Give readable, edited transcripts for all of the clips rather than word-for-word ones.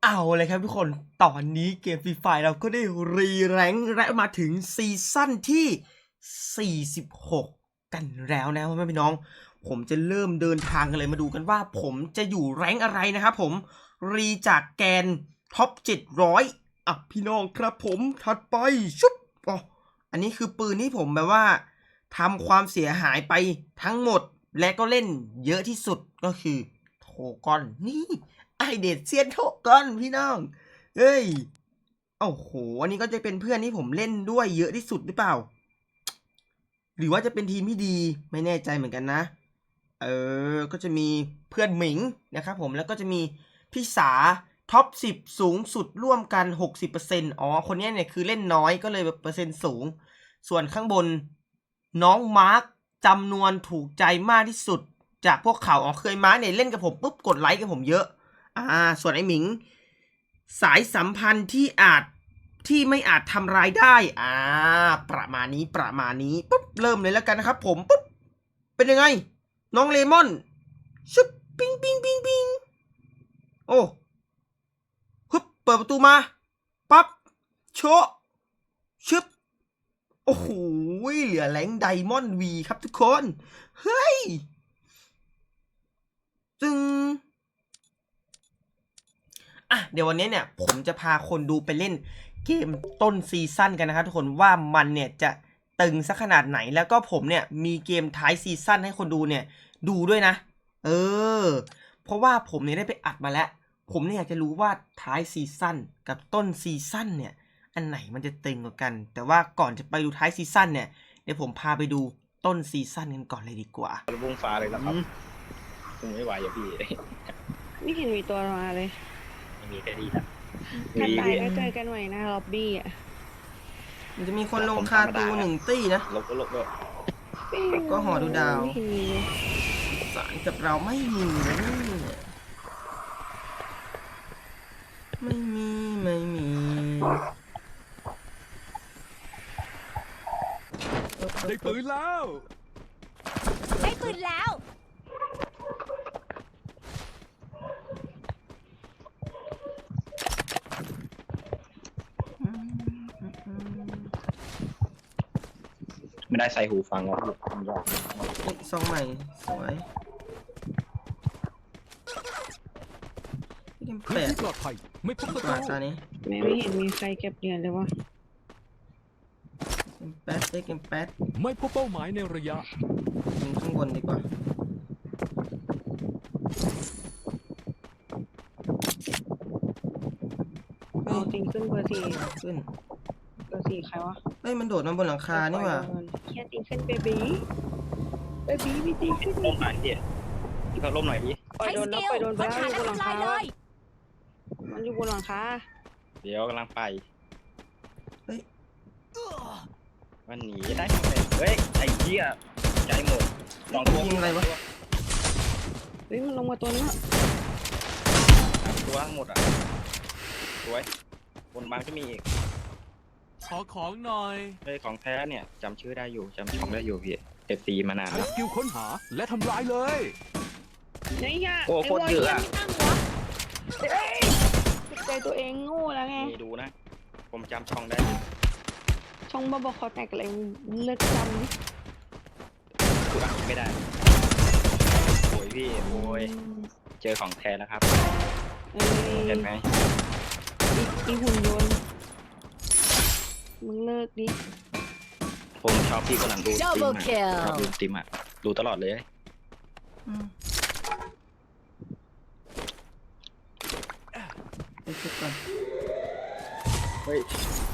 เอาเลยครับทุกคนตอนนี้เกมฟรีไฟเราก็ได้รีแรงค์และมาถึงซีซั่นที่46กันแล้วนะพ่อแม่พี่น้องผมจะเริ่มเดินทางกันเลยมาดูกันว่าผมจะอยู่แรงค์อะไรนะครับผมรีจากแกนท็อป700พี่น้องครับผมถัดไปชุบอันนี้คือปืนที่ผมแบบว่าทำความเสียหายไปทั้งหมดและก็เล่นเยอะที่สุดก็คือโทกอนนี่ไอเดดเซียนโทกอนพี่น้องเฮ้ยโอ้โหอันนี้ก็จะเป็นเพื่อนที่ผมเล่นด้วยเยอะที่สุดหรือเปล่าหรือว่าจะเป็นทีมที่ดีไม่แน่ใจเหมือนกันนะก็จะมีเพื่อนหมิงนะครับผมแล้วก็จะมีพี่สาท็อป10สูงสุดร่วมกัน 60%คนนี้เนี่ยคือเล่นน้อยก็เลยเปอร์เซ็นต์สูงส่วนข้างบนน้องมาร์คจำนวนถูกใจมากที่สุดจากพวกเขาเคยมาร์คเนี่ยเล่นกับผมปุ๊บกดไลค์กับผมเยอะส่วนไอ้หมิงสายสัมพันธ์ที่ไม่อาจทำรายได้ประมาณนี้ปุ๊บเริ่มเลยแล้วกันนะครับผมปุ๊บเป็นยังไงน้องเลมอนชุบปิ้งโอ้ฮึบเปิดประตูมาปั๊บโชะชึบโอ้โหเหลือแรงไดมอนด์วีครับทุกคนเฮ้ยจึงเดี๋ยววันนี้เนี่ยผมจะพาคนดูไปเล่นเกมต้นซีซั่นกันนะครับทุกคนว่ามันเนี่ยจะตึงสักขนาดไหนแล้วก็ผมเนี่ยมีเกมท้ายซีซั่นให้คนดูเนี่ยดูด้วยนะเพราะว่าผมเนี่ยได้ไปอัดมาแล้วผมเนี่ยอยากจะรู้ว่าท้ายซีซั่นกับต้นซีซั่นเนี่ยอันไหนมันจะตึงกว่ากันแต่ว่าก่อนจะไปดูท้ายซีซั่นเนี่ยเดี๋ยวผมพาไปดูต้นซีซั่นกันก่อนเลยดีกว่าระบุงฟ้าเลยนะครับคงไม่ไหวอย่าพี่ไม่เห็นมีตัวมาเลยไม่มีแค่นี้ครับถ้าตายก็เจอกันใหม่นะล็อบบี้มันจะมีคนลงคาตู1 ตี้นะลบด้วยก็หอดูดาวสารกับเราไม่มีได้ปืนแล้วไม่ได้ใส่หูฟังแล้วซองใหม่สวยพื้นที่ปลอดภัยไม่พบศัตรูตอนนี้ไม่เห็นมีใครเก็บเหรียญเลยวะเกมแป๊ดไม่พบเป้าหมายในระยะยิงข้างบนดีกว่าติงขึ้นเบอร์4 ขึ้นเบอร์4ใครวะมันโดดมาบนหลังคานี่หว่าแค่ติงขึ้นเบบี้มีติงขึ้นล่มหน่อยดิที่เขาล่มหน่อยดิปล่อยโดนไปแล้วอยู่บนหลังคามันอยู่บนหลังคาเดี๋ยวกำลังไปมันหนีได้ไหมไอ้เหี้ยใจหมด2 ตัวยิงอะไรวะมันลงมาตัวนี้ตัวทั้งหมดสวยบนบางก็มีอีกขอของหน่อยของแท้เนี่ยจำชื่อได้อยู่จำช่องได้อยู่พี่FC มานานแล้วสกิลค้นหาและทำลายเลยโอ้โคตรเยอะใจตัวเองโง่แล้วไงดูนะผมจำช่องได้ช่องบ้าคอแตกอะไรเลิกจำดิกูอ่านไม่ได้โอ้ยพี่โอ้ยเจอของแท้แล้วครับเห็นไหมอีหุ่นยนต์มึงเลิกดิผมชอบพี่กำลังดูสตรีมชอบดูสตรีมดูตลอดเลยไปชุดก่อนเฮ้ย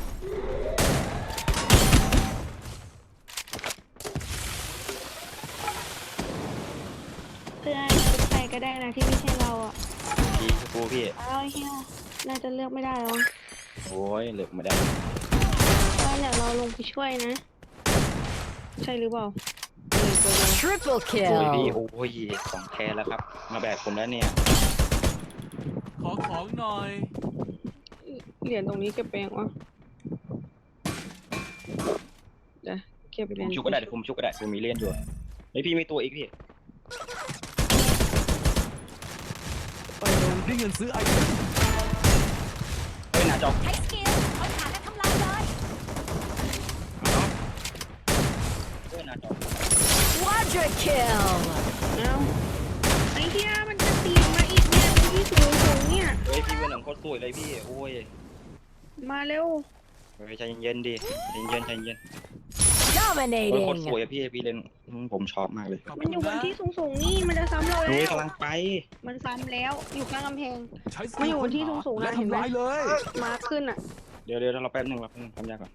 เพื่อนใครก็ได้นะที่ไม่ใช่เราพี่เฮียน่าจะเลือกไม่ได้หรอโอ้ยเลือกไม่ได้เดี๋ยวเราลงไปช่วยนะใช่หรือเปล่า Triple kill พี่โอ้ยของแท้แล้วครับมาแบกผมแล้วเนี่ยขอของหน่อยเหรียญตรงนี้เก็บไปยังวะเดี๋ยวเก็บเหรียญชุกก็ได้ผมชุกก็ได้ผมมีเล่นอยู่พี่มีตัวอีกพี่ได้เงินซื้อไอเทมน้าจอใช้สกิลค้นหาและทำลายเลยด้วยหน้าจอ Quadra kill เอาไอ้เหี้ยมันจะตีมาอีกเนี่ยตรงที่สูงเนี่ยเฮ้ยพี่เบอร์หนึ่งโคตรสวยเลยพี่โอ้ยมาเร็วเฮ้ยใจเย็นๆดิใจเย็นใจเย็นโคตรสวย dominating อะพี่เล่นผมชอบมากเลยขอบมันคุณอยู่บนนะที่สูงนี่มันจะซ้ำเรานี่แล้วกำลังไปมันซ้ำแล้วอยู่ข้างกำแพงใช้สมันกิอยู่ลบนที่สูงๆนะและเห็นไหมทำลายเลยมาขึ้นอ่ะเดี๋ยวเราแป๊บหนึงทำยากก่อน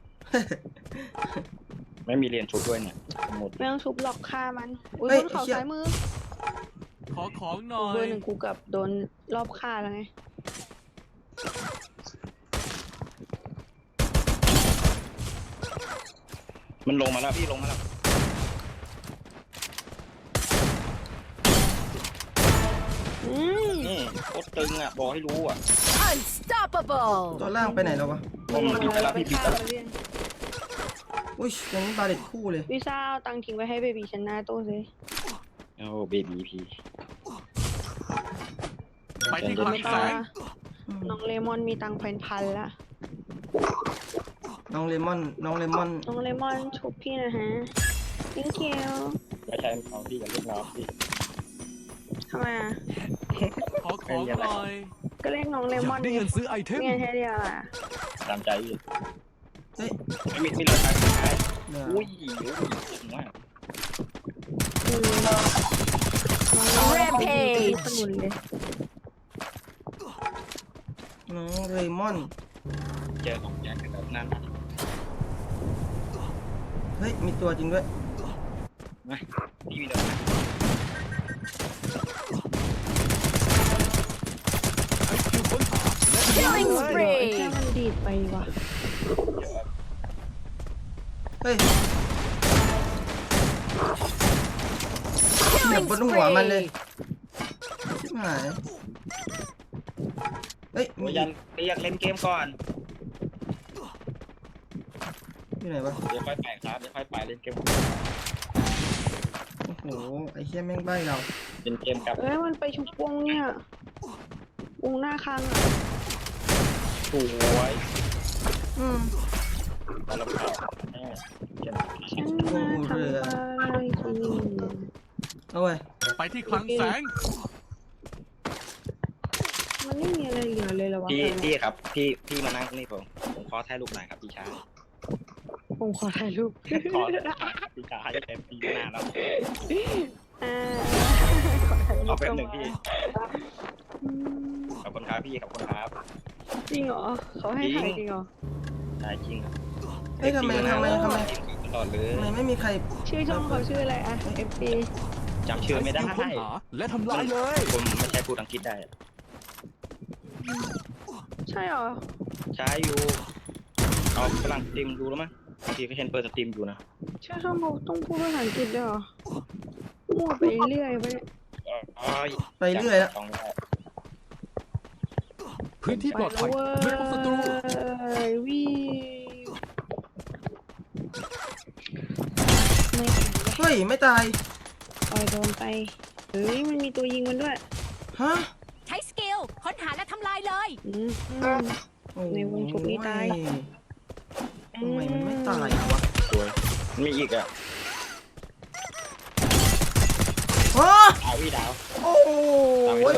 ไม่มีเรียนชุดด้วยเนี่ยหมดไม่ต้องชุบหลอกฆ่ามันอุ้ยเฮ้ยบนเขาไอ้เหี้ยซ้ายมือขอของหน่อเบอย ร์หนึ่งกูกับโดนรอบฆ่าแล้วไงมันลงมาแล้วพี่ลงมาแล้วอืมนี่โคตรตึงอ่ะบอกให้รู้อ่ะ unstoppable ตัวล่างไปไหนแล้ววะผมบิดไปแล้วพี่บิดไปแล้วอุ้ยอย่างนี้บาเด็ดคู่เลยวิซ่าเอาตังค์ทิ้งไว้ให้เบบีฉันหน้าตู้สิโอ้เบบีพี่ไปที่คลังไม่แสต้องงละน้องเลมอนมีตังค์พันละน้องเลมอนน้องเลมอนชุบพี่นะฮะ thank you ไม่ใช่ของพี่กับลูกน้องพี่ทำไมอ่ะขอของหน่อยก็เรียกน้องเลอมอยาน กได้เงินซื้อไอเทมเงี้ยแค่เดียวอ่ะตามใจพี่เฮ้ยไม่เหลือใครเดี๋ยวอุ้ยถึงว่าอืมน้องเลมอน Rampage ขนุนเลยน้องเรมอนเจอของแจ็คกันแบบนั้นเฮ้ย มีตัวจริงด้วยนะพี่มีเดินใช้สกิลค้นหาและทำลาย killing เลยไอ้แค่ spree มันดีดไปว่ะเฮ้ยเหยีย killing บบนหัวมันเลย spree ชิบหาย เฮ้ย มียันเรียกเล่นเกมก่อนอยู่ไหนวะเดี๋ยวค่อยไปครับเดี๋ยวค่อยไปเล่นเกมโอ้โห ไอ้เหี้ยแม่งใบ้เราเล่นเกมกับเอ้ยมันไปชุบวงเนี่ยวงหน้าคังอ่ะสวยอืมตลกครับเกมฉันมาทำอะไรทีเอาไว้ไปที่คลังแสงมันไม่มีอะไรเหลือเลยเหรอวะพี่ครับพี่มานั่งตรงนี้ผมขอถ่ายรูปหน่อยครับพี่ชายผมขอถ่ายรูปขอพี่ชายเต็มปีหน้าแล้วอ่าเอาเป็นหนึ่งพี่อืมขอบคุณครับพี่ขอบคุณครับจริงเหรอเขาให้ถ่ายจริงเหรอใช่จริงครับเฮ้ยทำไมตลอดเลยทำไมไม่มีใครชื่อช่องเขาชื่ออะไรอ่ะ FB จำชื่อไม่ได้ใช้สกิลค้นหาและทำลายเลยผมไม่ใช่พูดอังกฤษได้ใช่เหรอใช้อยู่เอากำลังสตรีมดูแล้วมั้งบางทีก็เห็นเปิดสตรีมอยู่นะชื่อช่องเขาต้องพูดภาษาอังกฤษด้วยเหรอมั่วไปเรื่อยไปเนี่ยไปเรื่อยแล้วต้องได้พื้นที่ปลอดภัยไม่พบศัตรูวิวไม่เฮ้ย ไม่ตายปล่อยโดนไปเฮ้ยมันมีตัวยิงมันด้วยฮะใช้สกิลค้นหาและทำลายเลยอืมโอ้ในวงชุบนี้ตายทำไมมันไม่ตายวะสวยมีอีกอ่ะฮะเอาพี่ดาวโอ้ย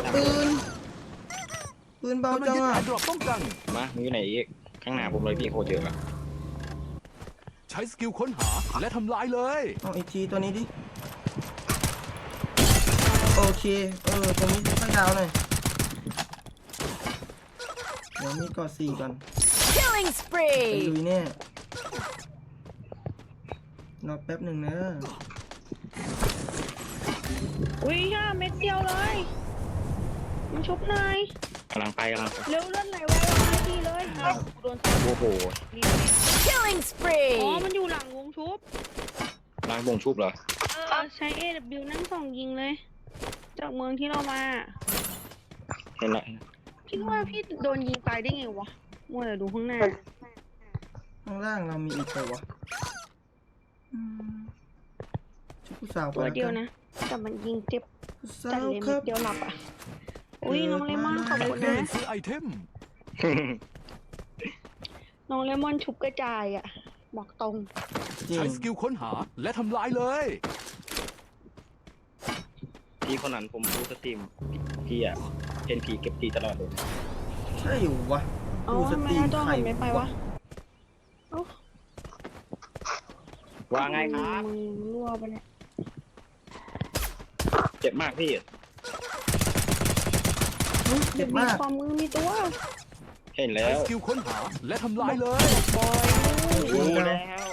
ปืนเบากำลังจังยึดอ่ะแอร์ดรอปป้องกันมามีอยู่ไหนอีกข้างหน้าผมเลยพี่โคตรเยอะอะใช้สกิลค้นหาและทำลายเลยเอาอีกทีตัวนี้ดิ โอเค ตรงนี้ค่อยดาวหน่อย เดี๋ยวมีกอด4ก่อน killing ไป spree ลุยแน่รอแป๊บหนึ่งนะอุ้ยย่าเม็ดเดียวเลยมันชุบหน่อยกำลังไปเร็วเลื่อนไหลไว้ไม่ดีเลยครับโดนโอ้โหนี่ killing อ๋อ spree มันอยู่หลังวงชุบล้างวงชุบเหรอใช้ AW นั่งส่องยิงเลย จากเมืองที่เรามาเห็นแล้วพี่ว่าพี่โดนยิงตายได้ไงวะมัวแต่ดูข้างหน้าข้างล่างเรามีอีกตัววะชุดผู้สาวตัวเดียวนะ แต่มันยิงเจ็บผู้สาจัดวเลยคเม็รัดบเดียวหลับอ่ะ อุ้ยน้องเลมอนขอบอยากคุณได้นะเงินซื้อไอเทมน้องเลมอนชุบกระจายอ่ะ บอกตรงจริใช้งสกิลค้นหาและทำลายเลยพี่คนนั้นผมดูสตรีมพี่อะเห็นผีเก็บตีตลอดเลยใช่อยู่วะอ๋อดูสทำไมตรีหมน้าจอใครหันไม่ไปวะเอ้าว่าไงครับมึงรั่วไปะเนี่ยเจ็บมากพี่เจ็บมากความมือมีตัวเห็นแล้ใช้วสกิลค้นหาและทำลายเลยบอยรู้แล้ว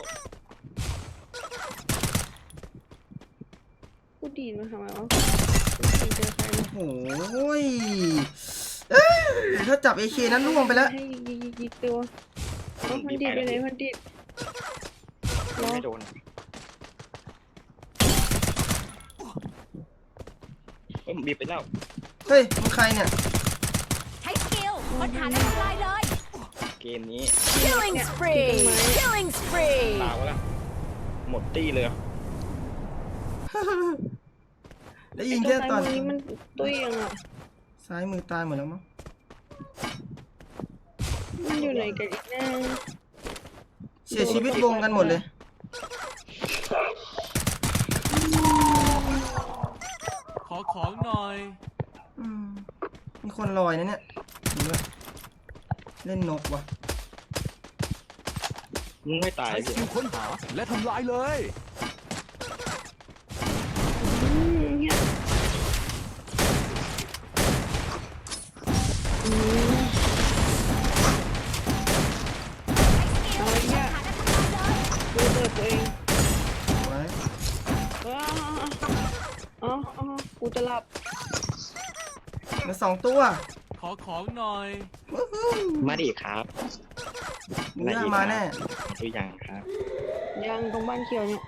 กูดีดมาทำไมวะไม่เจอใครเลยโอ้ยถ้าจับ AK นั้นล่วงไปแล้วให้ยิงตัวเอ้ามันดีดไปไหนมันดีดรอไม่โดนบีบไปแล้วเฮ้ยมึงใครเนี่ยใช้สกิลค้นหาและทำลายเลยเกมนี้ Killing spree Killing spree ตาวะล่ะหมดตี้เลยได้ไอ้ยิงตัวแค่ซ้ายตอนมือนี้มันตุ้ยยังอ่ะซ้ายมือตายหมดแล้วมั้งมันอยู่ไหนกันอีกแน่เสียชีวิตวงกันหมดเลยขอของหน่อยอืมมีคนลอยนะเนี่ยดูว่าเล่นนกวะมึงไม่ตายใช้สพี่กิลค้นหาและทำลายเลยเนี่ยเอาอีกเนี่ยกูเปิดตัวเองไว้อ๋อกูจะหลับมา2 ตัวขอของหน่อยวู้ฮู้มาดิครับมึงน่ามาแน่ตัวอย่างครับยังตรงบ้านเขียวเนี่ย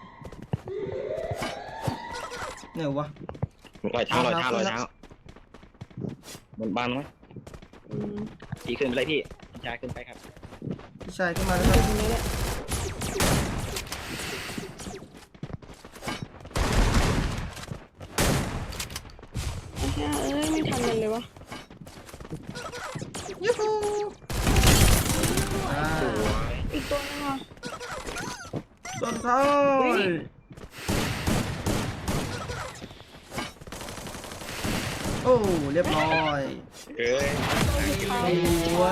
เนี่ยวะรอยเท้ารอยเท้ารอยเท้าบนบ้านไหมอืมพี่ขึ้นไปเลยพี่พี่ชายขึ้นไปครับพี่ชายขึ้นมาแล้วอคยู่รับตรงนี้แหละไอ้เหี้ยเอ้ยไม่ทันมันเลยวะยูฮูอ่าอีกตัวนึงอ่ะต้นท้ายโอ้เรียบร้อยเอ้ยสวย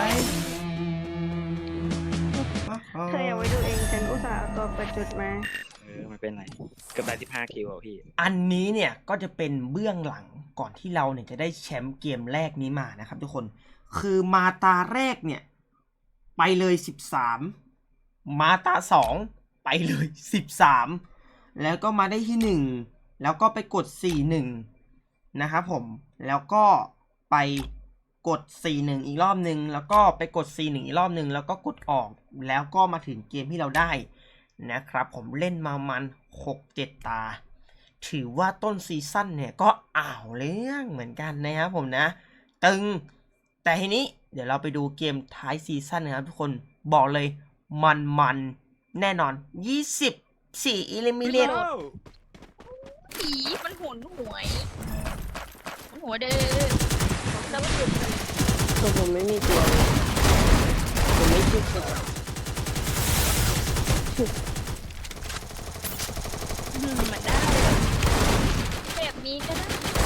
เธออย่าไว้ดูเองฉันอุตส่าห์เอาตัวเปิดจุดมาไม่เป็นไรเกือบได้15 คิวอ่ะพี่อันนี้เนี่ยก็จะเป็นเบื้องหลังก่อนที่เราเนี่ยจะได้แชมป์เกมแรกนี้มานะครับทุกคนคือมาตาแรกเนี่ยไปเลย13มาตา2ไปเลย13แล้วก็มาได้ที่1แล้วก็ไปกด41นะครับผมแล้วก็ไปกด41อีกรอบนึงแล้วก็ไปกด41อีกรอบนึงแล้วก็กดออกแล้วก็มาถึงเกมที่เราได้นะครับผมเล่นมามัน6-7 ตาถือว่าต้นซีซั่นเนี่ยก็อ่าวเรื่องเหมือนกันนะครับผมนะตึงแต่ทีนี้เดี๋ยวเราไปดูเกมท้ายซีซั่นนะครับทุกคนบอกเลยมันแน่นอน24 อิลิมิเลตผีมันหุนหวยมันหัวเด้อแล้วก็หยุดตัวผมไม่มีตัวเลยผมไม่คิดตัวมันได้แบบนี้ก็ได้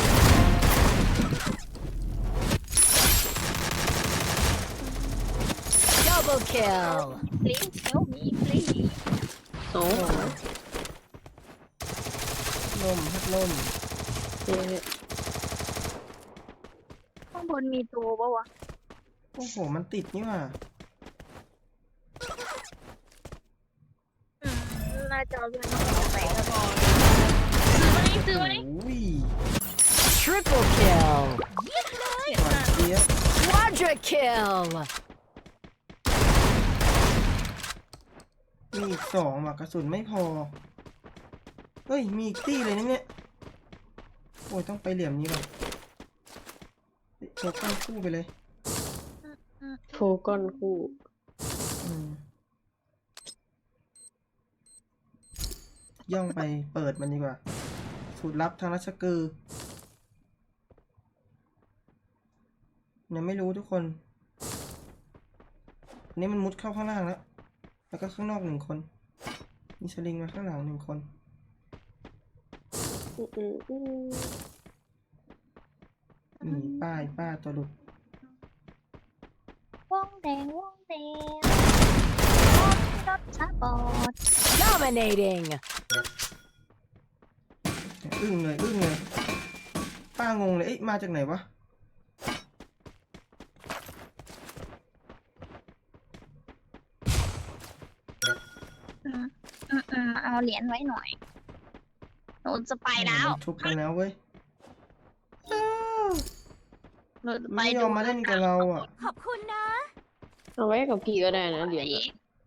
Double kill Please help me please โอ้พัดลมเจ๊ข้างบนมีตัวปะวะโอ้โหมันติดนี่ว่ะหน้าจอมันต้องไปแล้วพอซื้อไหมโอ้ย Triple kill หวานเจี๊ยบ Quadra kill มีอีก2ว่ะกระสุนไม่พอเฮ้ยมีอีกตี้เลยนะเนี่ยโอ้ยต้องไปเหลี่ยมนี้ว่ะโชว์ก้อนคู่ไปเลยโฟก้อนคู่อืมย่องไปเปิดมันดีกว่าสูตรลับทางราชกือยังไม่รู้ทุกคนอันนี้มันมุดเข้าข้างล่างแล้วแล้วก็ข้างนอก1 คนมีสลิงมาข้างหลัง1 คน ป้าตัวหลุดวงแดงวงแดงรถสปอร์ต Dominating. อึ้งเลยป้างงเลยเอ๊ะมาจากไหนวะเอาเหรียญไว้หน่อยหนูจะไปแล้วมันทุบกันแล้วเว้ยหนูจะไปไม่ยอมมาเล่นกับเราอ่ะขอบคุณนะเอาไว้กับพี่ก็ได้นะเหรียญอะ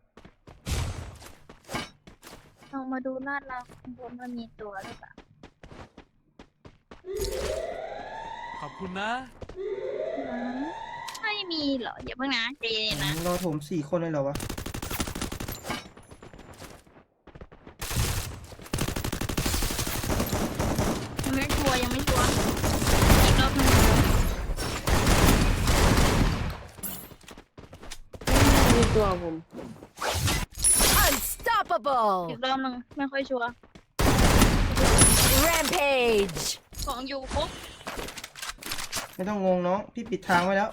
ลองมาดูลาดเราข้างบนว่ามีตัวหรือเปล่าขอบคุณนะไม่มีเหรออย่าเพิ่งนะใจเย็นๆนะรอโถม4 คนเลยเหรอวะยังไม่ชัวร์อีกรอบหนึงมีตัวผม Unstoppable. อีกรอบหนึงไม่ค่อยชัวร์ Rampage. ของอยู่ครบไม่ต้องงงน้องพี่ปิดทางไว้แล้ว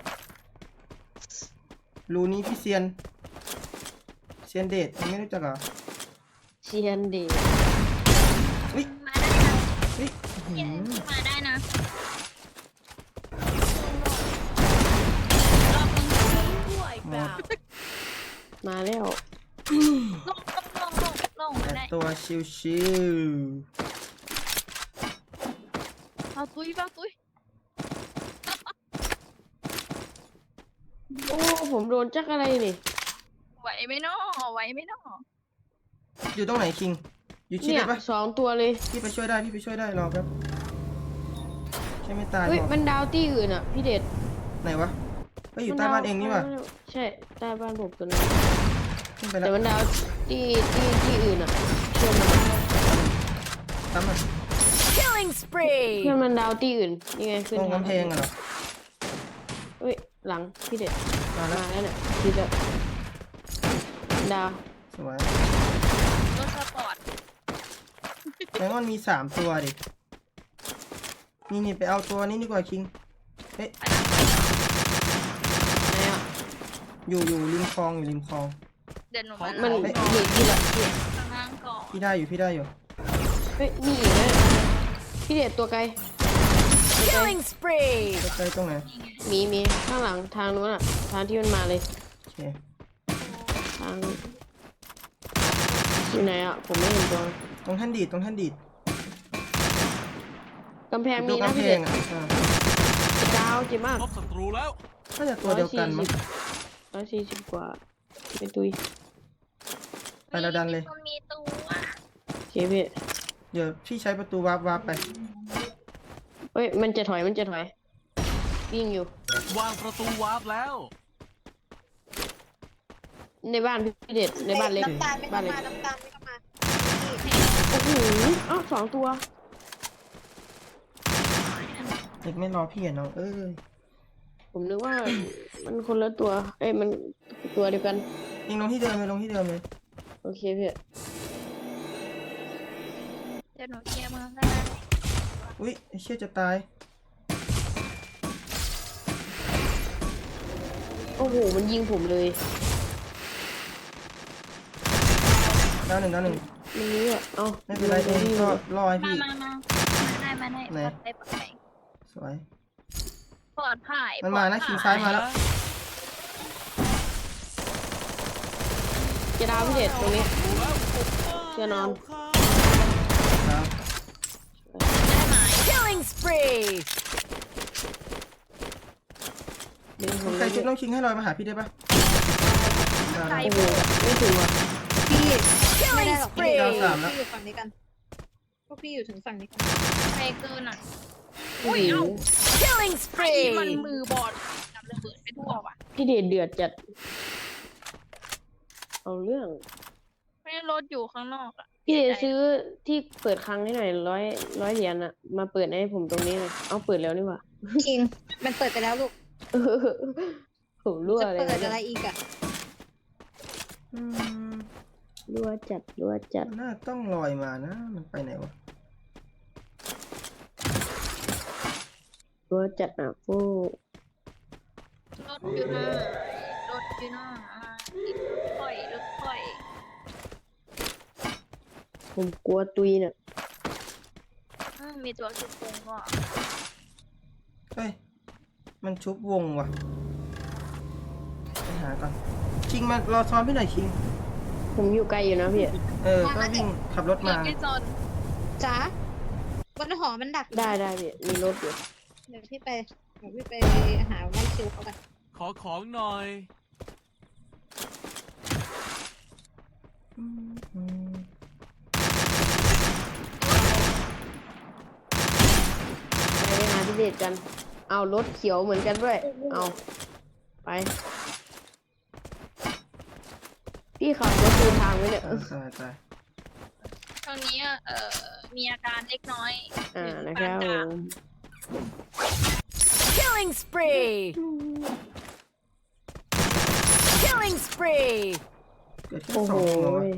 รูนี้พี่เซียนเดชยังไม่รู้จักเหรอเชียนดีวิมาได้นะวิมาได้นะรอบหนึงมาแล้วลงมาได้ตัวชิวเอาตุ้ยโอ้ผมโดนจักอะไรนี่ไหวไหมเนาะๆอยู่ตรงไหนคิงอยู่ชิดเนี่ยเลยปะ 2 ตัวเลยพี่ไปช่วยได้รอแป๊บใช่ไม่ตายเฮ้ยหรอกมันดาวตี้อื่นอ่ะพี่เดชไหนวะก็อยู่ใต้บ้านเองนี่ว่ะใช่ใต้บ้านผมตัวนั้นขึ้นไปแล้แต่วมันดาวที่อื่นอ่ะเพื่อนมันตามมา Killing เพื่อน spree. มันดาวที่อื่นนี่ไงขึ้นตรงกำแพงอะเหรอเฮ้ยหลังพี่เดชมาแล้วมาแล้วเนี่ยพี่จะดาวสวยรถสปอร์ตแมงมันมี3 ตัวดินี่ไปเอาตัวนี้ดีกว่าคิงเฮ้ยไหนอ่ะอยู่ริมคลองเดินลงมามันลหงนีพี่ละพี่ข้างล่างก่อนพี่ได้อยู่เฮ้ยนี่อีกนะพี่เดชตัวไกล Killing spree. ใกล้ๆตรงไหนมีข้างหลังทางนู้นอ่ะทางที่มันมาเลยโอเคทางอยู่ไหนอ่ะผมไม่เห็นตัวตรงท่านดีดกำแพงดูมีนะกำแพพี่เดงชอ่ะดาวเจ็บมากพบศัตรูแล้วน่าจะตัวเดียวกันมั้ง 140กว่าไปตุยไปแล้วดันเลยมันมีตัวโอเคพี่เดี๋ยวพี่ใช้ประตูวาร์ปไปเฮ้ยมันจะถอยวิ่งอยู่วางประตูวาร์ปแล้วในบ้านพี่เดชในบ้านเล็กน้ำตาลไม่บ้าต้อน งเล็กมาน้ำตาลไม่ต้องมาโอ้โหอ้าว2 ตัวเด็กไม่รอพี่อ่ะน้องเอ้ยผมนึกว่า มันคนละตัว เอ้ยมันตัวเดียวกันยิงลงที่เดิมเลยโอเคพี่เดี๋ยวหนูเคลียร์มือให้นะอุ้ยไอ้เชี่ยจะตายโอ้โหมันยิงผมเลยดาวหนึ่งมันนี้อ่ะเอ้าไม่เป็นไรเองก็รอให้มาพี่มาได้ไหนปลอดภัยสวยปลอดภัยมันมานะคิงซ้ายมาแล้วจะดาวพี่เดชตรงนี้เชื่อนอนครับได้ไหม Killing spree. ดึงผมใครชุดน้องคิงให้ลอยมาหาพี่ได้ปะได้โอ้โหไม่ถึงว่ะพี่ไม่ Killing ได้หรอกพี่ spree. ดาว3แล้วพี่อยู่ฝั่งนี้กันพวกพี่อยู่ถึงฝั่งนี้กันใครเกินอ่ะโอ้โห Killing ไอ้มัน spree. มือบอดนำระเบิดไปทั่วว่ะพี่เดชเดือดจัด เอาเรื่องไม่ได้รถอยู่ข้างนอกอ่ะพี่เดชซื้อที่เปิดครั้งให้หน่อยร้อยเหรียญอะมาเปิดให้ผมตรงนี้หน่อยเอาเปิดแล้วนี่หว่าคิงมันเปิดไปแล้วลูกผมรั่วจะเลยเปิดนะอะไรอีกอ่ะอืมรัวจัดรัวจัดมันน่าต้องลอยมานะ มันไปไหนวะรัวจัดอ่ะฟูรถอยู่นะรถอยู่นะติดรถค่อยรถค่อยผมกลัวตุยน่ะมีตัวสุดโกงก็เฮ้ย มันชุบวงว่ะ ไปหาก่อนคิงมารอซ้อนพี่หน่อยคิงผมอยู่ไกลอยู่นะพี่ก็วิ่งขับรถเกือมาบไม่จนจ๋าบนหอมันดักอยู่ได้พี่มีรถอยู่เดี๋ยวพี่ไปหาไล่คิวเขากันขอของหน่อยไปหาพี่เดชกัน เอารถเขียวเหมือนกันด้วย เอาไป พี่ขับรถดูทางไว้เนี่ยตายตายตอนนี้มีอาการเล็กน้อยนะครับผปานกลางม Killing spree. Killing spree. เกิดแค่โอ้สโหองตัววะ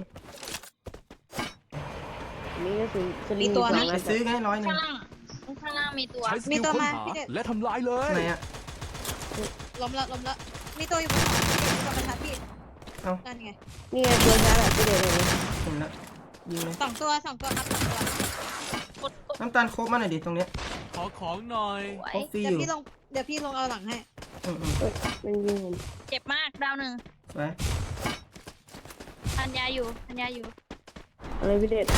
นี่ก็คือสลิงมีตัวสนะองไปอันซื้อไง100 ข้างล่างข้างล่างมีตัวใช้สมีกิลตัวค้นมาหาพี่เด็ดและทำลายเลยไหนอะล้มละมีตัวอยู่บนหอมีตัวประทัดพี่เอ้านั่นไงนี่ไงตัวช้าแบบพี่เดชเลยเห็นละยิงเลยสองตัวครับ2 ตัวกดน้ำตาลโคบมาหน่อยดิตรงเนี้ยขอของหน่อยสวยโคบฟรีเดี๋อยวยู่พี่ลงเอาหลังให้มันยิงผมเจ็บมากดาวหนึ่งสวยทันยาอยู่ทันยาอยู่อะไรพี่เดช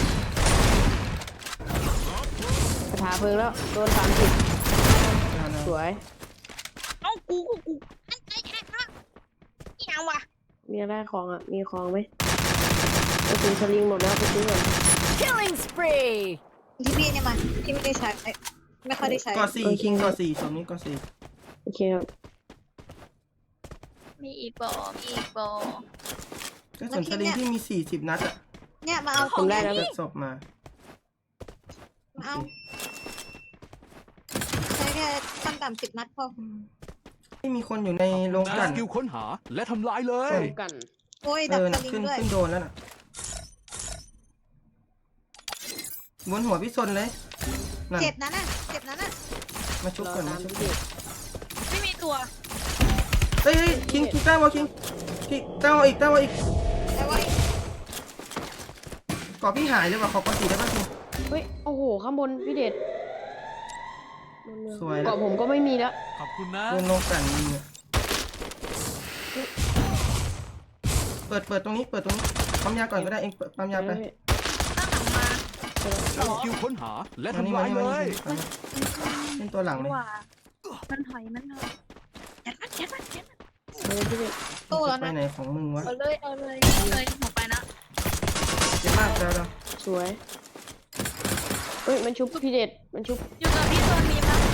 กระถาเพลิงแล้ว โดน30 เอานะสวยเอ้ากูอันไอ้แค่ค่ะอีหยังวะมีอะไรของอ่ะ มีของไหมกระสุนสลิงหมดแล้วไปซื้อก่อน Killing spree. ที่พี่เนี่ยมาที่ไม่ได้ใช้ไม่ค่อยได้ใช้ก่อ4คิงก่อ4ส่วนนี้ก่อโอเคครับมีอีกบอมีอีกบอ 4ก็ส่วนสลิงที่มี40นัดอะเนี่ยมาเอาผมได้แล้วเปิดศพมามาเอาใช้แค่ขั้นต่ำ10 นัดพอไม่มีคนอยู่ในโรงใช้กลั่สนกิลค้นหาและทำลายเลยร่วมกันโอ้ยดับสน่ะลิงขึ้นด้วยขึ้นโดนแล้วน่ะบนหัวพี่ซนเลยนั่นเจ็บนั้นน่ะมาชุบรอก่อนตามมาชุบพี่ก่เดชอนไม่มีตัวเฮ้ยคิงแต้มวะคิงแต้มวะอีกแต่ว่าก่อพี่หายเลยว่ะขอก่อ4ได้ป่ะคิงเฮ้ย โอ้โห ข้างบนพี่เดชสวยแล้วเกาะผมก็ไม่มีแล้วขอบคุณนะโดนโรงกลั่นยิงอะเปิดตรงนี้ปั๊มยาก่อนก็ได้เองเปิดปั๊มยาไปตั้งหลังมาใช้สกิลค้นหาและมานี่ทำมาลายนี่เลมานี่ยเป็นตัวหลังเลยว่ามันถอยยัดมันพี่เดชตู้แล้วไปนะไหนของมึงวะเอาเลยหัวไปนะเจ็บมากแล้วเราสวย เฮ้ย มันชุบพี่เดช มันชุบอยู่กับพี่โซนมีมั้ย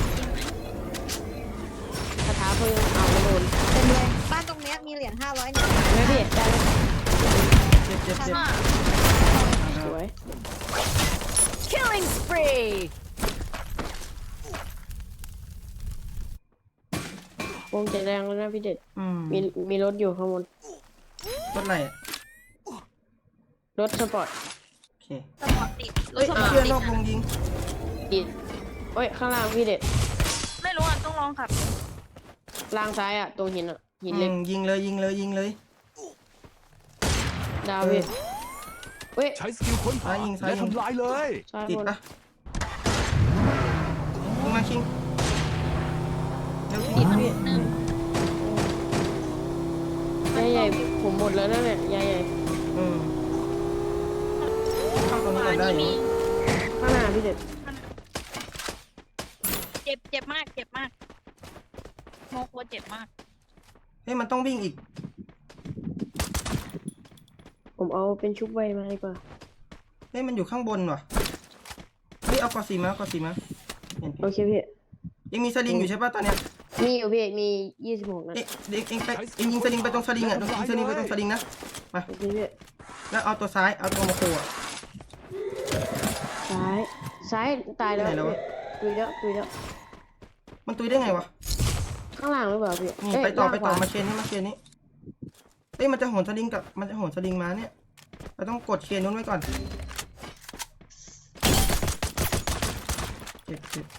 คาถาเพลิงเอาไม่โดนเต็มเลยบ้านตรงเนี้ยมีเหรียญ500เนี่ยไม่พี่เดชได้ไหมเจ็บข้างหน้าสวย Killing spree. วงจะแรงแล้วนะพี่เดช มีรถอยู่ข้างบนรถอะไรอะรถสปอร์ตโอเคสปอร์ตติดรเฮ้ถยสปอร์ตเพื่อนตินดอกวงยิงอีกเฮ้ย ข้างล่างพี่เดชไม่รู้อ่ะต้องลองขับล่างซ้ายอ่ะ ตรงหินอ่ะ หินเล็กยิงเลยดาวพี่เฮ้ยใช้สกิลค้นหาและทำลายเลยซ้ายติดบนปะยิงมาคิงเร็วคิติดงพี่หนึ่งยายใหญ่ผมหมดแล้วนะเนี่ยยายใหญ่เข้าตรงนี้ก่อนได้อยู่ข้างหน้าพี่เดชเจ็บมากโมโคเจ็บมากเฮ้ยมันต้องวิ่งอีกผมเอาเป็นชุบไวมาดีกว่าเฮ้ยมันอยู่ข้างบนว่ะเฮ้ยเอาก่อ4มาเห็นโอเคพี่ยังมีสลิงอยู่ใช่ป่ะตอนเนี้ยมีอยู่พี่ มี26นัดเองไปเองยิงสลิงไปตรงสลิงอ่ะยิงสลิงไปตรงสลิงนะโอเคพี่แล้วเอาตัวซ้ายเอาตัวโมโคอ่ะซ้ายตายแล้วไปไหนแล้ววะตุยแล้วมันตุยได้ไงวะข้างล่างหรือเปล่าพี่นี่เอ้ยไปต่อล่างขวมาเชนนี่เอ้ยมันจะโหนสลิงมาเนี่ยเราต้องกดเคนนู้นไว้ก่อนเจ็บ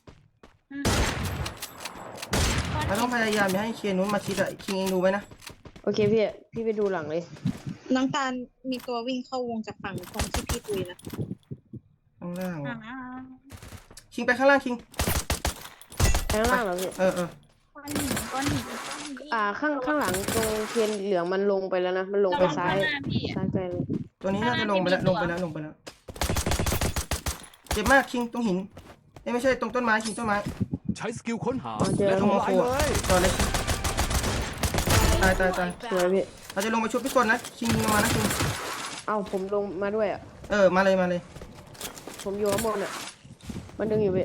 เราต้องพยายามอย่าให้เคนนู้นมาชิดอะคิงเองดูไว้นะโอเคพี่ไปดูหลังเลยน้ำตาลมีตัววิ่งเข้าวงจากฝั่งตรงที่พี่ตุยนะข้างล่างอ่าคิงไปข้างล่างคิงข้างล่างเหรอพี่เออก้อนหินก้อนหินข้างหลังตรงเทียนเหลืองมันลงไปแล้วนะ มันลงไปซ้ายระวังข้างหน้าพี่อะซ้ายไปเลยตัวนี้น่าจะลงไปแล้วเจ็บมากคิงตรงหินเอ้ยไม่ใช่ตรงต้นไม้คิงต้นไม้ใช้สกิลค้นหาอ๋อเจอและตรงทำโมลาโคยเลยจอเล็กตายสวยพี่เราจะลงไปชุบพี่กนนะคิงยิงลงมานะคิงเอ้าผมลงมาด้วยอ่ะมาเลยผมอยู่ข้างบนอ่ะ มันดึงอยู่พี่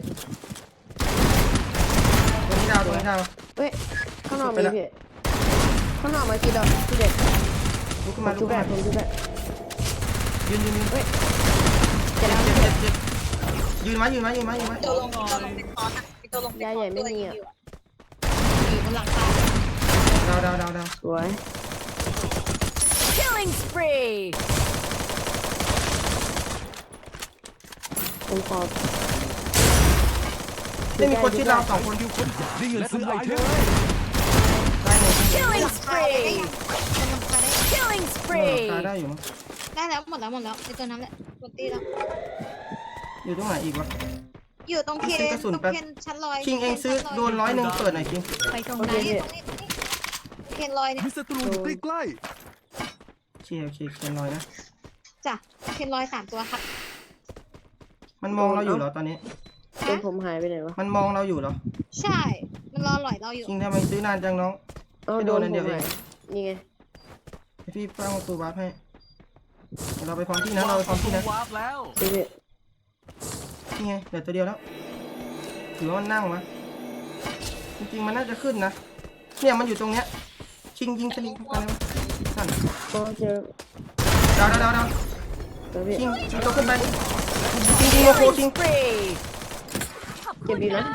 ตัวนี้ดาวเฮ้ย ข้างนอกไปมีละพี่ ข้างนอกมากี่ดอกพี่เด็กลุกขึ้นผมาม ลุชุกบขึ้นแบมาบผมชุบแบบยืนจะได้เจ็บยืนไว้ตัวลงเป็นคอสอะมีตัวลงเป็นคอสตัวยิงอยู่อยู่บนหลังคาดาวสวย Killing spree. ผมขอไม่มีคนชิดเรา2 คนสกิลค้นหาและทำลายเลยได้หนึ่ง Killing หลังคาได้ spree. ยังบนหลังคาได้ยัง Killing รา spree. คาได้อยู่มั้งได้แล้วหมดแล้วในตัวนั้นแหละหมดตีแล้วอยู่ตรงไหนอีกวะอยู่ตรงเคนซื้อกระสุนตรงแป๊บเคนชั้นลอยคิงเองซื้อโดน100เปิดหน่อยคิงไปตรงโอไหเคน พี่ตรงนี้เคนลอยเนี่ยมีศัตรูอยู่ใกล้โอเคเขียน100นะจ้ะเคนลอย3 ตัวครับมันมองเราอยู่เหรอตอนนี้เป็นผมหายไปไหนวะมันมองเราอยู่เหรอใช่ มันรอหลอยเราอยู่คิงทำไมซื้อนานจังน้องเอ้าไม่โดโดนนอันผเดียวมเองหายนี่ไงให้พี่ตั้งประตูวาร์ปให้เดี๋ยวเราไปพร้อมที่นะเราไปพร้อมที่นะวาร์ปแล้วพี่นี่ไงเหลือตัวเดียวแล้วหรือว่ามันนั่งวะจริงๆมันน่าจะขึ้นนะเนี่ยมันอยู่ตรงเนี้ยคิงยิงสลิงเข้าไปเลยวะสั่นโอ้เจอดาวเจอพี่คิงตัวขึ้นไปคิงยิงโมโค Killing คิง spree. เจ็บดีนะ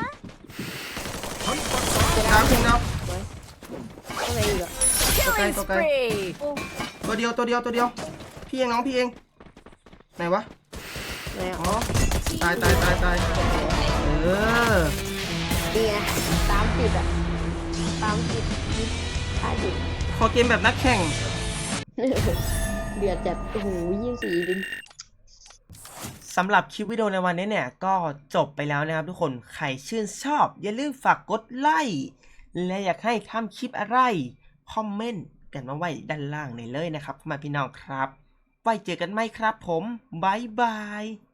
ดาวคิงดาวข้างในอีกอ่ะ Killing Okay. spree. ตัวเดียวพี่เองน้องพี่เองไหนวะไหนอ่ะอ๋อตายเออนี่ไงตามติดอ่ะ ตามติดตายติดขอเกมแบบนักแข่งเดือดจัด โอ้โห24ดิสำหรับคลิปวิดีโอในวันนี้เนี่ยก็จบไปแล้วนะครับทุกคนใครชื่นชอบอย่าลืมฝากกดไลค์และอยากให้ทำคลิปอะไรคอมเมนต์กันมาไว้ด้านล่างในเลยนะครับมาพี่น้องครับไว้เจอกันไหมครับผมบ๊ายบาย